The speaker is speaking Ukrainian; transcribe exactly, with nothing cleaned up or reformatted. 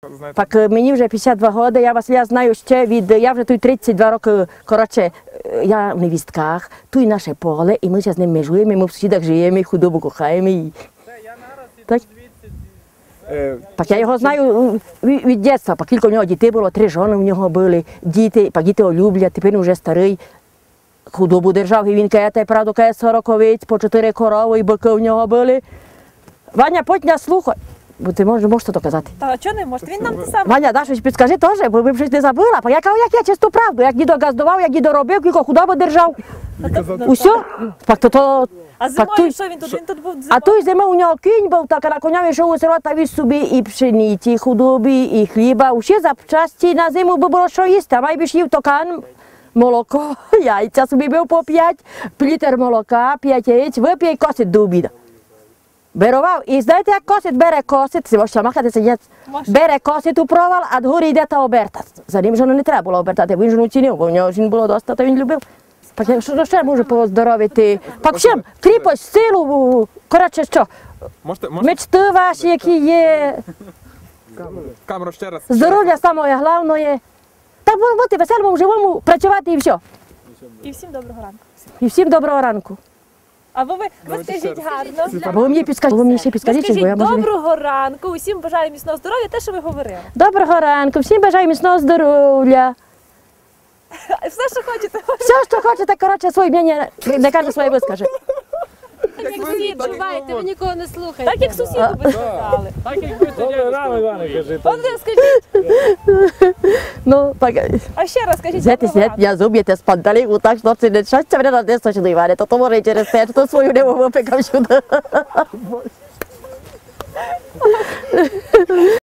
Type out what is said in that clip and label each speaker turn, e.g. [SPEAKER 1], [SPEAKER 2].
[SPEAKER 1] знаєте?
[SPEAKER 2] Так мені вже п'ятдесят два роки, я вас я знаю ще від, я вже тут тридцять два роки, коротше, я в невістках, тут наше поле, і ми зараз з ним межуємо, і ми в сусідах живемо, і худобу кохаємо. І... Так? Так я його знаю від, від дитинства, по кілька в нього дітей було, три жони в нього були, діти, по діти його люблять, тепер він вже старий. Худобу держав, і він каже, правду, каже, сорок овець, по чотири корови, і бики в нього були. Ваня, потня слухай. Бо ти можеш, можеш то казати.
[SPEAKER 3] Та чого не можете? Він нам те саме.
[SPEAKER 2] Ваня, да, щось підскажи теж, бо ми б щось не забула. Бо я кажу, як я чисту правду, як дідо газдував, як дідо робив, кілько худобу держав. Усьо? Так то то...
[SPEAKER 3] А зимою що він тут? Він тут був зимою?
[SPEAKER 2] А той зимою у нього кінь був, так, а на коня йшов у село та віз собі і пшениці, і худоби, і хліба. Усі запчасті на зиму би було що їсти, а майбіж їв токан, молоко, яйця собі бив по п'ять, літр молока, п'ять яєць, вип'є і косить до обіду. Берував. І знаєте, як косить? Бере косить, це можна махати сидять, бере косить у провал, а дгорі йде та оберта. За ним жону не треба було обертати, бо він жону цінив, бо в нього жін було доста, то він любив. Так що ще можу поздоровити? Так всім, кріпость, силу, коротше що,
[SPEAKER 1] Можете, можете
[SPEAKER 2] мечти ваші, які є,
[SPEAKER 1] камеру ще раз?
[SPEAKER 2] здоров'я саме головне. Так бути веселому, живому, працювати і все.
[SPEAKER 3] І всім доброго ранку.
[SPEAKER 2] І всім доброго ранку.
[SPEAKER 3] А ви, ви, ви скажіть гарно.
[SPEAKER 2] А ви мені підскажіть, ви мені ще
[SPEAKER 3] Ви
[SPEAKER 2] підскажіть, бо я
[SPEAKER 3] скажіть
[SPEAKER 2] можу... не-
[SPEAKER 3] доброго ранку, усім бажаю міцного здоров'я, те, що ви говорили.
[SPEAKER 2] Доброго ранку, всім бажаю міцного здоров'я.
[SPEAKER 3] Все, що хочете.
[SPEAKER 2] Все, що хочете, коротше, своє мнення, не каже своє вискаже.
[SPEAKER 4] Так як всі відчуваєте, ви нікого не слухаєте.
[SPEAKER 3] Так, як сусіду би сказали.
[SPEAKER 5] Добре, рано, Іване, кажи.
[SPEAKER 3] От ви скажіть,
[SPEAKER 2] Ну, так,
[SPEAKER 3] а ще раз скажіть
[SPEAKER 2] знаєте,
[SPEAKER 3] доброго ранку.
[SPEAKER 2] я зуб'єте з панталіку, так, що це не щастя мене на десь точно, Іване, то то може і через те, що то свою не випекав сюди.